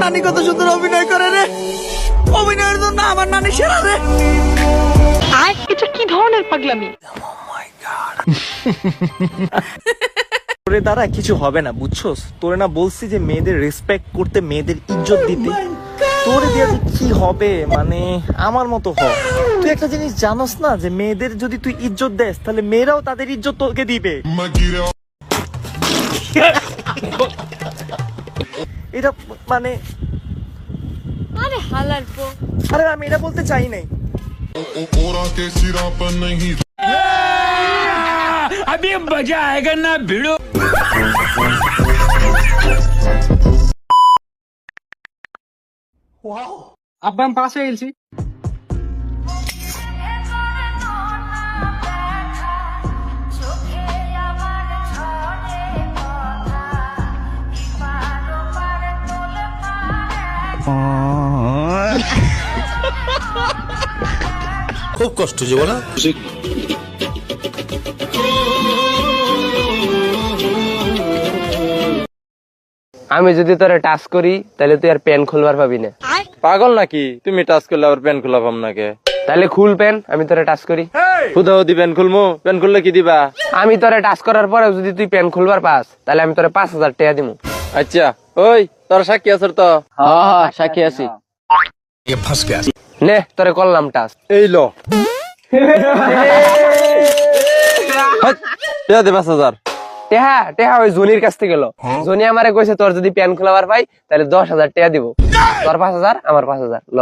নানি কত সুন্দর অভিনয় করে রে, অভিনয়ের জন্য আমার নানি সেরা রে। এটা কি ধরনের পাগলামি? তোরে দ্বারা কিছু হবে না, বুঝছস? তোরে না বলছি যে মেয়েদের রেসপেক্ট করতে, মেয়েদের ইজ্জত দিতে। তোরে দিয়ে কি হবে, মানে আমার মতো হ। তুই একটা জিনিস জানোস না যে মেয়েদের যদি তুই ইজ্জত দেস তাহলে মেয়েরাও তাদের ইজ্জত তোকে দিবে। এটা মানে আরে হালার পো। আরে আমি এটা বলতে চাই নাই। अभी मजा आएगा ना भिड़ो। আব্বা আমি পাস হয়ে গেছি। খুব কষ্ট যে বলা। আমি যদি তোরে টাচ করি তাহলে তুই আর প্যান খুলবার পাবি না। পাগল নাকি তুমি? টাচ করলে আবার প্যান খোলা পাম নাকি? তাহলে খুল প্যান, আমি তোরে টাচ করি। হুদাহুদি প্যান খুলমু? প্যান খুললে কি দিবা? আমি তোরে টাচ করার পরে যদি তুই প্যান খুলবার পাস তাহলে আমি তোরে 5,000 টাকা দিমু। আচ্ছা ওই তোর সাক্ষী আছে তো? হ্যাঁ সাক্ষী আছি। নে তোরে করলাম টাচ। এই লো দে 5,000। টেহা টেহা ওই জনির কাছ থেকে গেল। জনি আমারে কইছে তোর যদি প্যান খোলাবার পাই তাহলে 10,000 টাকা দিব। তোর 5,000 আমার 5,000 ল।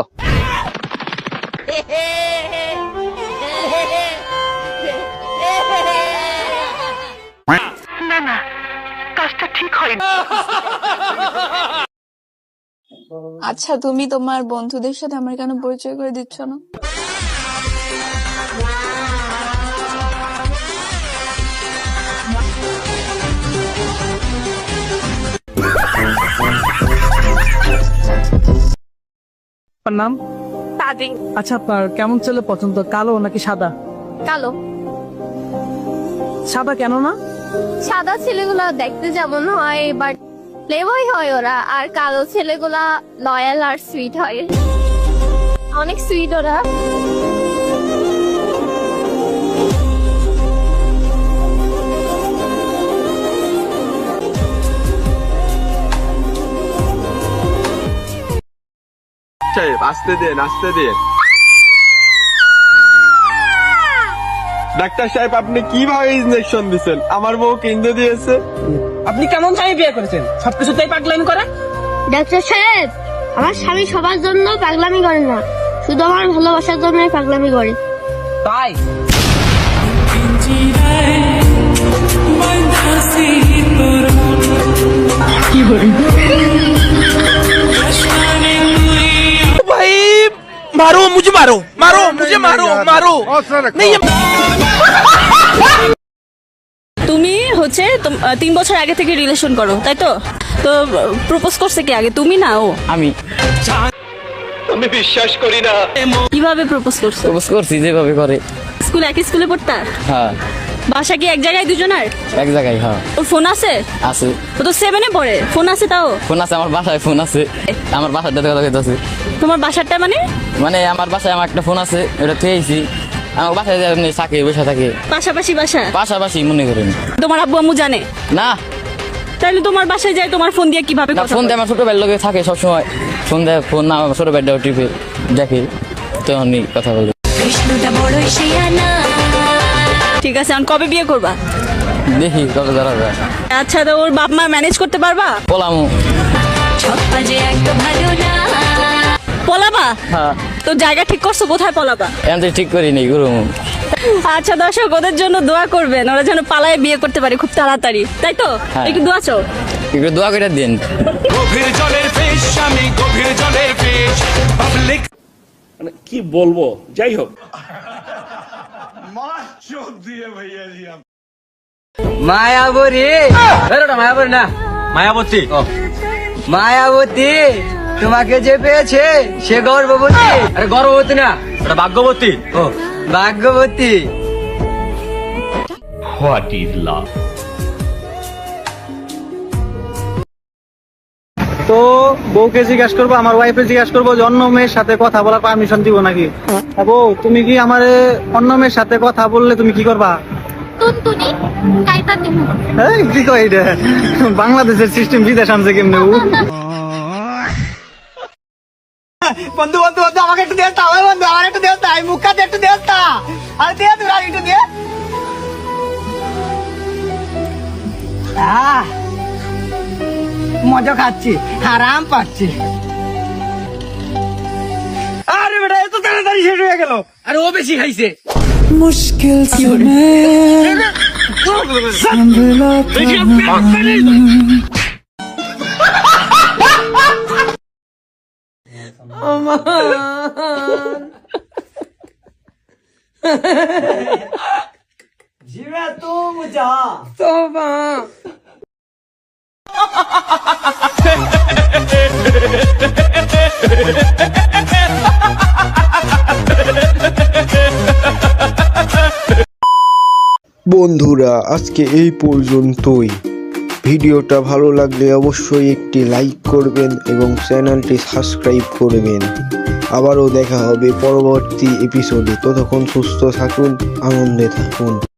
আচ্ছা তুমি তোমার বন্ধুদের সাথে আমার কেন পরিচয় করে দিচ্ছ না? আপনার নাম? তাদিং। আচ্ছা আপনার কেমন ছেলে পছন্দ, কালো নাকি সাদা? কালো। সাদা কেন না? সাদা ছেলেগুলা দেখতে যেমন হয় বাট প্লেবয় হয় ওরা, আর কালো ছেলেগুলা লয়াল আর সুইট হয়, অনেক সুইট ওরা। আসতে দেন আসতে দেন। ডাক্তার সাহেব আপনি কিভাবে ইনজেকশন দিচ্ছেন? আমার বউ কেন্দ্র দিয়েছে। আপনি কেমন স্বামী বিয়ে করেছেন? সবকিছুতেই পাগলামি করে। ডাক্তার সাহেব, আমার স্বামী সবার জন্য পাগলামি করে না, শুধু আমার ভালোবাসার জন্যই পাগলামি করে। তাই ভাই মারো মুঝে, মারো মারো মুঝে, মারো মারো। তুমি হচ্ছে 3 বছর আগে থেকে রিলেশন করো, তাই তো? তো প্রপোজ করছে কে আগে, তুমি না ও? আমি বিশ্বাস করি না। কিভাবে প্রপোজ করছো? প্রপোজ করছি যেভাবে করে। স্কুল একই স্কুলে পড়তা? হ্যাঁ। বাসা কি এক জায়গায় দুজনের? এক জায়গায়। হ্যাঁ ওর ফোন আছে? আছে। ও তো 7 এ পড়ে, ফোন আছে তাও? ফোন আছে, আমার বাসায় ফোন আছে। আমার বাসার দাদা কথা কইতাছে। তোমার বাসারটা মানে? মানে আমার বাসায় আমার একটা ফোন আছে, ওটা থুয়েছি। আমার বাসায় এমনি থাকে, বসে থাকে। পাশাপাশি বাসা? পাশাপাশি মনে করেন। তোমার আব্বু আম্মু জানে না? তাহলে তোমার বাসায় যায় তোমার ফোন দিয়ে কিভাবে কথা ফোন বলে? দিয়ে আমার ছোট ভাইয়ের লগে থাকে সবসময়। ফোন দেয়, ফোন না ছোট ভাইটাও টিপে দেখে, তখনই কথা বলে। ঠিক আছে, এখন কবে বিয়ে করবা? দেখি কত দাঁড়াবে। আচ্ছা, তো ওর বাপ মা ম্যানেজ করতে পারবা? পলামু। পলাবা? হ্যাঁ। তো জায়গা ঠিক করছো, কোথায় পলাবা? এখন তো ঠিক করি নাই গুরু। আচ্ছা দর্শক, ওদের জন্য দোয়া করবেন, ওরা যেন পালায় বিয়ে করতে পারে খুব তাড়াতাড়ি, তাই তো? হ্যাঁ। একটু দোয়া চাও। একটু দোয়া করে দিন। গভীর জলের ফিশ, আমি গভীর জলের ফিশ। পাবলিক মানে কি বলবো, যাই হোক। মায়াবতী, মায়াবতী না, মায়াবতী। মায়াবতী তোমাকে যে পেয়েছে সে গর্ভবতী। আরে গর্ভবতী না, এটা ভাগ্যবতী। ও ভাগ্যবতী। What is love? তো বউকে জিজ্ঞাসা করবো, আমার ওয়াইফে জিজ্ঞাসা করবো যে অন্য মেয়ের সাথে কথা বলার পারমিশন দিব নাকি। বউ তুমি কি আমার অন্য মেয়ের সাথে কথা বললে তুমি কি করবা? টুনটুনি কাইতা দিব। এই কি কই এটা, বাংলাদেশের সিস্টেম বিদেশ আনছে কেমনে? বন্ধু বন্ধু বন্ধু আমাকে একটু দেস্তা, ওই বন্ধু আমার একটু দেস্তা, এই মুখটা একটু দেস্তা, আর দিয়ে তুই আর একটু দিয়ে। মজা খাচ্ছি, আরাম পাচ্ছি। আরে বেটা এত তাড়াতাড়ি শেষ হয়ে গেল। আরে ও বেশি খাইছে। मुश्किल जीवा तू मुझा বন্ধুরা আজকে এই পর্যন্তই। ভিডিওটা ভালো লাগলে অবশ্যই একটি লাইক করবেন এবং চ্যানেলটি সাবস্ক্রাইব করবেন। আবারও দেখা হবে পরবর্তী এপিসোডে। ততক্ষণ সুস্থ থাকুন, আনন্দে থাকুন।